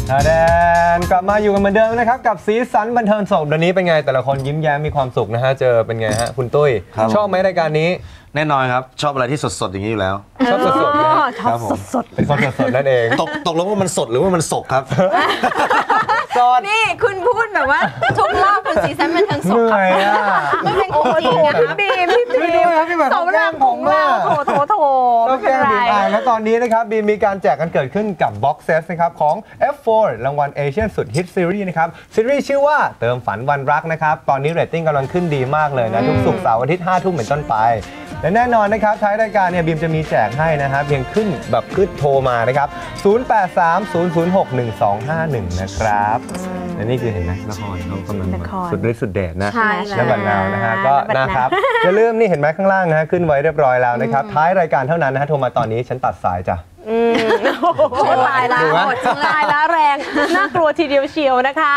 แดนกลับมาอยู่กันเหมือนเดิมนะครับกับสีสันบันเทิงสดวันนี้เป็นไงแต่ละคนยิ้มแย้มมีความสุขนะฮะเจอเป็นไงฮะคุณตุ้ยชอบไหมรายการนี้แน่นอนครับชอบอะไรที่สดๆอย่างนี้อยู่แล้วชอบสดๆนะชอบสดเป็นคนสดๆนั่นเองตกลงว่ามันสดหรือว่ามันสกครับนี่คุณพูดแบบว่าทุกรอบคุณสีสันบันเทิงสดครับมันเป็นของจริงนะคะพี่แบบสมรักของเราโถก็แก้บีมแล้วตอนนี้นะครับบีมมีการแจกกันเกิดขึ้นกับ Box Set นะครับของ F4 รางวัลเอเชียนสุดฮิตซีรีส์นะครับซีรีส์ชื่อว่าเติมฝันวันรักนะครับตอนนี้เรตติ้งกำลังขึ้นดีมากเลยนะทุกศุกร์เสาร์อาทิตย์ 5 ทุ่มเป็นต้นไปและแน่นอนนะครับท้ายรายการเนี่ยบีมจะมีแจกให้นะฮะเพียงขึ้นโทรมานะครับ0830061251นะครับและนี่คือเห็นไหมละครเขากำลังสุดฤทธิ์สุดเดชนะและบันนาวนะฮะก็นะครับอย่าลืมนี่เห็นไหมข้างล่างนะฮะขึ้นไว้เรียบร้อยแล้วนะครับท้ายรายการเท่านั้นนะฮะโทรมาตอนนี้ฉันตัดสายจ้ะตายแล้วหมดตายแล้วแรงน่ากลัวทีเดียวเชียวนะคะ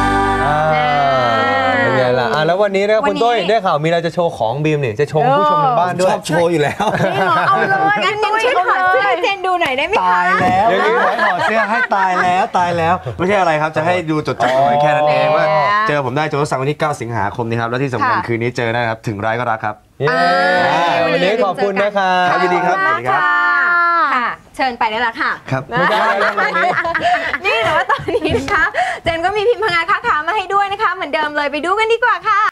เป็นไงล่ะแล้ววันนี้นะคุณตุ้ยได้ข่าวมีอะไรจะโชว์ของบีมนี่จะโชว์ผู้ชมทางบ้านด้วยชอบโชว์อยู่แล้วเอาเลยงั้นตุ้ยถอดเสื้อให้เจนดูหน่อยได้ไหมคะตายแล้วถอดเสื้อให้ตายแล้วไม่ใช่อะไรครับจะให้ดูจดๆแค่นั้นเองว่าเจอผมได้โจทย์สั่งวันที่9 สิงหาคมนี้ครับแล้วที่สำคัญคืนนี้เจอนะครับถึงร้ายก็รักครับวันนี้ขอบคุณนะครับยินดีครับสวัสดีครับค่ะเชิญไปได้ละค่ะครับนี่แต่ว่าตอนนี้นะคะเจนก็มีพิมพ์พงาค้าขามาให้ด้วยนะคะเหมือนเดิมเลยไปดูกันดีกว่าค่ะ